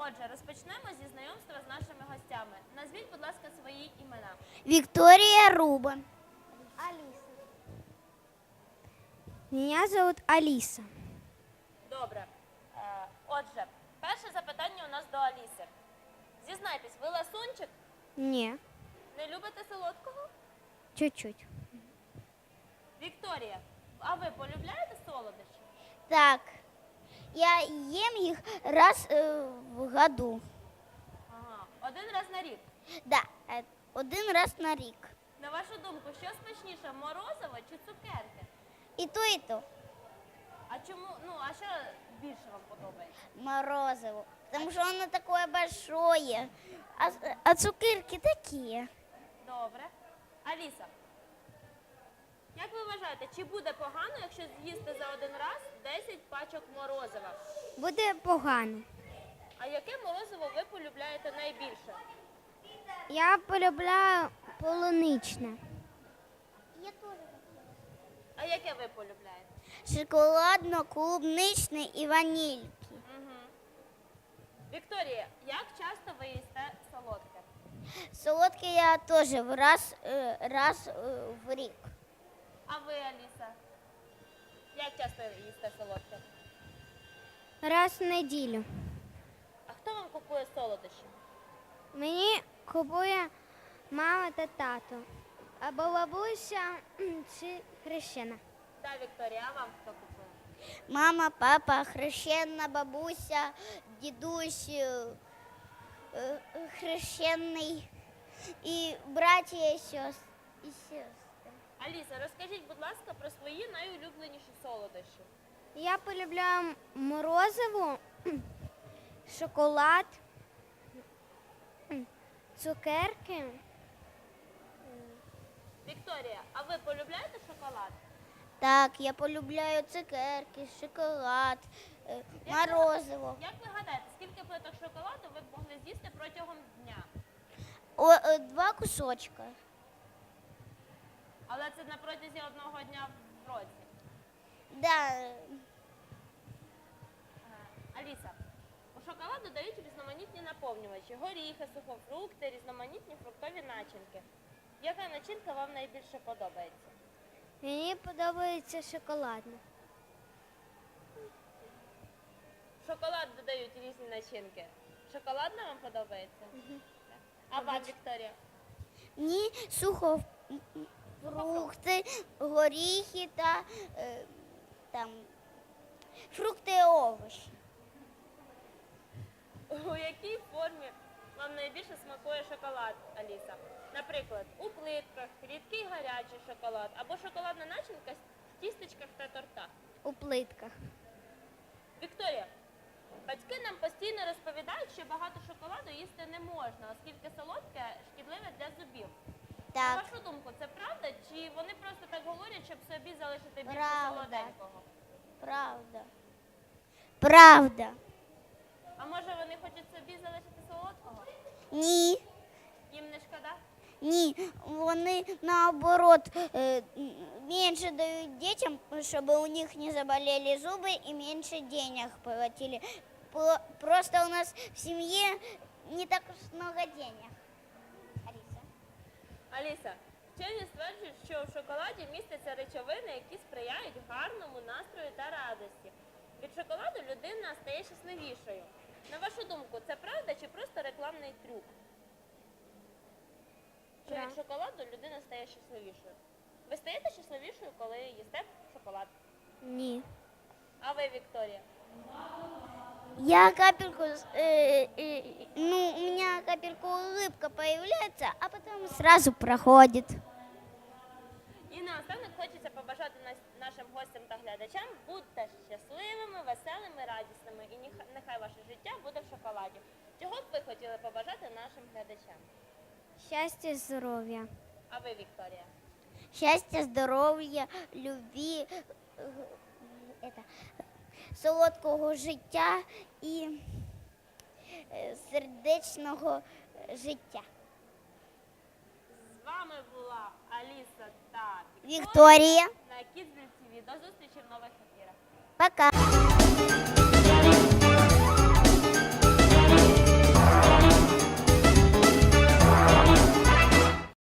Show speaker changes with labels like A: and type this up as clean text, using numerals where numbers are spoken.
A: Отже, розпочнемо зі знайомства з нашими гостями. Назвіть, будь ласка, свої імена.
B: Виктория Рубан.
C: Алиса. Меня зовут Алиса.
A: Добре. Отже, перше запитання у нас до Аліси. Зізнайтесь, ви ласунчик?
C: Не,
A: Не любите солодкого?
C: чуть-чуть.
A: Вікторія, а ви полюбляєте солодощі?
B: Так, я ем их раз в году.
A: Ага. Один раз на рік.
B: Да, один раз на рік.
A: На вашу думку, що смачніше, морозиво чи цукерки?
B: І то, і то.
A: А чому, а що більше вам подобається?
B: Морозиво. Потому что оно такое большое. А цукерки такие.
A: Добре. Аліса, як ви вважаєте, чи буде погано, якщо з'їсти за один раз 10 пачок морозива?
C: Буде погано.
A: А яке морозиво ви полюбляєте найбільше?
C: Я полюбляю полуничне.
B: Я тоже.
A: А яке ви полюбляєте?
B: Шоколадно-клубничный и ванильки.
A: Угу. Вікторія, як часто ви їсте солодке?
B: Солодкий я тоже раз в рік.
A: А ви, Аліса? Як часто їсте солодке?
C: Раз в неділю.
A: А хто вам купує солодощі?
C: Мені купує мама та тато. Або бабуся чи хрещена.
A: Так, Вікторія, а вам хто купує?
B: Мама, папа, хрещена бабуся, дідусь, хрещений і братія і сестри.
A: Аліса, розкажіть, будь ласка, про свої найулюбленіші солодощі.
C: Я полюбляю морозиво, шоколад, цукерки.
A: Вікторія, а ви полюбляєте шоколад?
B: Так, я полюбляю цукерки, шоколад, морозиво.
A: Як ви гадаєте, скільки плиток шоколаду ви б могли з'їсти протягом дня?
B: 2 кусочка.
A: Але це на протязі одного дня в році.
B: Да.
A: Аліса, у шоколаду дають різноманітні наповнювачі, горіхи, сухофрукти, різноманітні фруктові начинки. Яка начинка вам найбільше подобається?
C: Мені подобається шоколадне.
A: В шоколад додають різні начинки. Шоколадна вам подобається? А вам, Вікторія?
B: Мені сухофрукти, горіхи та там фрукти і овочі.
A: У якій формі вам найбільше смакує шоколад, Аліса? Наприклад, у плитках, рідкий гарячий шоколад або шоколадна начинка в тістечках та тортах.
C: У плитках.
A: Вікторія, батьки нам постійно розповідають, що багато шоколаду їсти не можна, оскільки солодке шкідливе для зубів. На
B: Так,
A: вашу думку, це правда, чи вони просто так говорять, щоб собі залишити більше
B: Правда.
A: солоденького?
B: правда. Правда.
A: А може вони хочуть собі залишити солодкого?
B: Ні.
A: Їм не шкода?
B: Ні, вони наоборот менше дають дітям, щоб у них не заболели зуби і менше денег платили. Просто у нас в сім'ї не так уж много денег. Аліса.
A: Аліса, вчені стверджують, що в шоколаді містяться речовини, які сприяють гарному настрою та радості. Від шоколаду людина стає щасливішою. На вашу думку, це правда чи просто рекламний трюк? Що від шоколаду людина стає щасливішою. Ви стаєте щасливішою, коли їсте шоколад?
C: Ні.
A: А ви, Вікторія?
B: Я капельку, у меня капельку улыбка появляется, а потом сразу проходит.
A: І наостанок хочеться побажати нашим гостям та глядачам будьте щасливими, веселими, радісними і нехай ваше життя буде в шоколаді. Чого б ви хотіли побажати нашим глядачам?
C: Щастя, здоров'я.
A: А ви, Вікторія?
B: Счастья, здоров'я, любві, солодкого життя і сердечного життя.
A: З вами була Аліса та
B: Вікторія.
A: на Kidsville TV. До зустрічі в нових ефірах.
B: Пока.